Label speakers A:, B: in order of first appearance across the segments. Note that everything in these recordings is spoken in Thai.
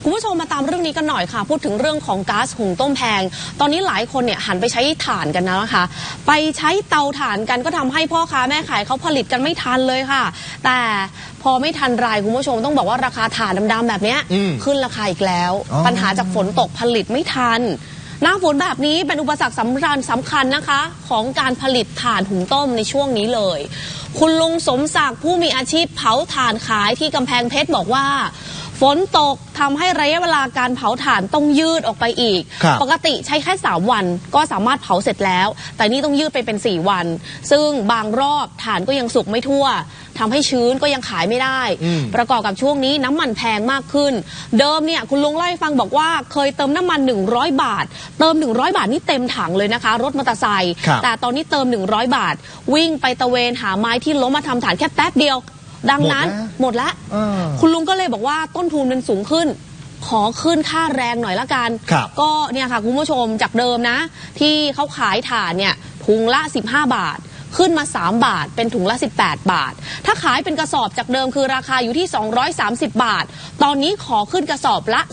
A: คุณผู้ชมมาตามเรื่องนี้กันหน่อยค่ะพูดถึงเรื่องของก๊าซหุงต้มแพงตอนนี้หลายคนเนี่ยหันไปใช้ถ่านกันนะคะไปใช้เตาถ่านกันก็ทำให้พ่อค้าแม่ขายเขาผลิตกันไม่ทันเลยค่ะแต่พอไม่ทันไรคุณผู้ชมต้องบอกว่าราคาถ่านดำๆแบบนี้ขึ้นราคาอีกแล้วปัญหาจากฝนตกผลิตไม่ทันหน้าฝนแบบนี้เป็นอุปสรรคสำคัญนะคะของการผลิตถ่านหุงต้มในช่วงนี้เลยคุณลุงสมศักดิ์ผู้มีอาชีพเผาถ่านขายที่กำแพงเพชรบอกว่าฝนตกทำให้ระยะเวลาการเผาถ่านต้องยืดออกไปอีกปกติใช้แค่3 วันก็สามารถเผาเสร็จแล้วแต่นี่ต้องยืดไปเป็น4 วันซึ่งบางรอบถ่านก็ยังสุกไม่ทั่วทำให้ชื้นก็ยังขายไม่ได้ประกอบกับช่วงนี้น้ำมันแพงมากขึ้นเดิมเนี่ยคุณลุงเล่าให้ฟังบอกว่าเคยเติมน้ำมัน100 บาทเติม100 บาทนี่เต็มถังเลยนะคะรถมอเตอร์ไซค์แต่ตอนนี้เติม100 บาทวิ่งไปตะเวนหาไม้ที่ล้มมาทำถ่านแค่แป๊บเดียวดังนั้นหมดแล้วคุณลุงก็เลยบอกว่าต้นทุนมันสูงขึ้นขอขึ้นค่าแรงหน่อยละกันก็เนี่ยค่ะคุณผู้ชมจากเดิมนะที่เขาขายถ่านเนี่ยถุงละ15 บาทขึ้นมา3 บาทเป็นถุงละ18 บาทถ้าขายเป็นกระสอบจากเดิมคือราคาอยู่ที่230 บาทตอนนี้ขอขึ้นกระสอบละ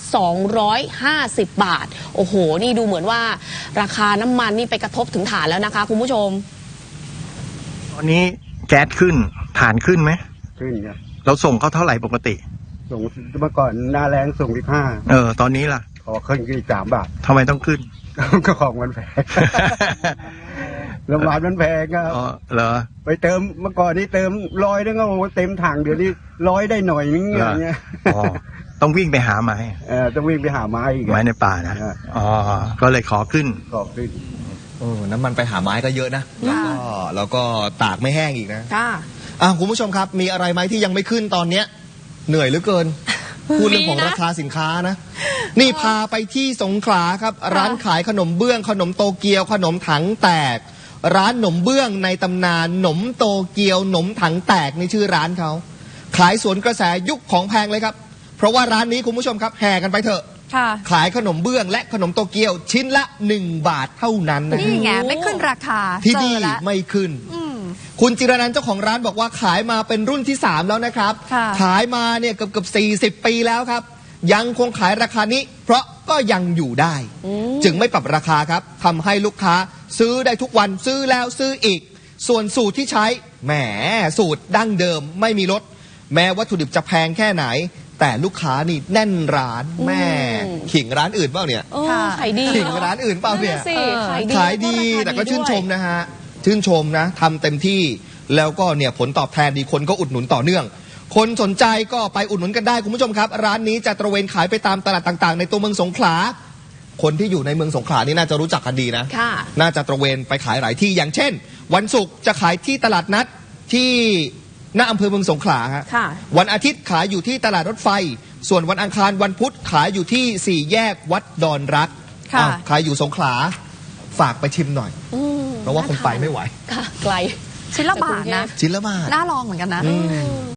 A: 250 บาทโอ้โหนี่ดูเหมือนว่าราคาน้ำมันนี่ไปกระทบถึงถ่านแล้วนะคะคุณผู้ชม
B: ตอนนี้แก๊สขึ้นถ่านขึ้นไหม
C: ขึ้นครับ
B: เราส่งเขาเท่าไหร่ปกติ
C: ส่งเมื่อก่อนหน้าแรงส่ง
B: ตอนนี้ล่ะ
C: ขอขึ้นกี่3 บาท
B: ทำไมต้องขึ้น
C: ก็ของมันแพงน้ำมันมันแพงก็
B: เหรอ
C: ไปเติมเมื่อก่อนนี้เติม100นึงก็เต็มถังเดี๋ยวนี้100ได้หน่อยนึงอย่างเงี้ย
B: ต้องวิ่งไปหาไม้
C: ต้องวิ่งไปหาไม้อีก
B: ไม้ในป่านะก็เลยขอขึ้น
D: น้ำมันไปหาไม้ก็เยอะนะแล้วก็ตากไม่แห้งอีกนะคุณผู้ชมครับมีอะไรไหมที่ยังไม่ขึ้นตอนเนี้ยเหนื่อยเหลือเกินพูดเรื่องของราคาสินค้านะนี่พาไปที่สงขลาครับร้านขายขนมเบื้องขนมโตเกียวขนมถังแตกร้านขนมเบื้องในตำนานขนมโตเกียวขนมถังแตกในชื่อร้านเขาขายสวนกระแสยุคของแพงเลยครับเพราะว่าร้านนี้คุณผู้ชมครับแห่กันไปเถอะขายขนมเบื้องและขนมโตเกียวชิ้นละ1 บาทเท่านั้นนะ
E: นี่ไงไม่ขึ้นราคา
D: ที่นี่ไม่ขึ้นคุณจิรนันท์เจ้าของร้านบอกว่าขายมาเป็นรุ่นที่3แล้วนะครับขายมาเนี่ยเกือบ40 ปีแล้วครับยังคงขายราคานี้เพราะก็ยังอยู่ได้จึงไม่ปรับราคาครับทำให้ลูกค้าซื้อได้ทุกวันซื้อแล้วซื้ออีกส่วนสูตรที่ใช้แหมสูตรดั้งเดิมไม่มีลดแม้วัตถุดิบจะแพงแค่ไหนแต่ลูกค้านี่แน่นร้านแม่ขิงร้านอื่นเปล่าเนี่ย
A: ขายดี
D: ขิงร้านอื่นเปล่าเนี่ยขายดีแต่ก็ชื่นชมนะฮะชื่นชมนะทำเต็มที่แล้วก็เนี่ยผลตอบแทนดีคนก็อุดหนุนต่อเนื่องคนสนใจก็ไปอุดหนุนกันได้คุณผู้ชมครับร้านนี้จะตระเวนขายไปตามตลาดต่างๆในตัวเมืองสงขลาคนที่อยู่ในเมืองสงขลานี่น่าจะรู้จักกันดีนะน่าจะตระเวนไปขายหลายที่อย่างเช่นวันศุกร์จะขายที่ตลาดนัดที่หน้าอำเภอเมืองสงขลาครับวันอาทิตย์ขายอยู่ที่ตลาดรถไฟส่วนวันอังคารวันพุธขายอยู่ที่4 แยกวัดดอนรักขายอยู่สงขลาฝากไปชิมหน่อยเพราะว่าคงไปไม่ไหว
A: ไกล
E: ชิ้นละบาทนะ
D: ชิ้นละบาท
E: น่าลองเหมือนกันนะ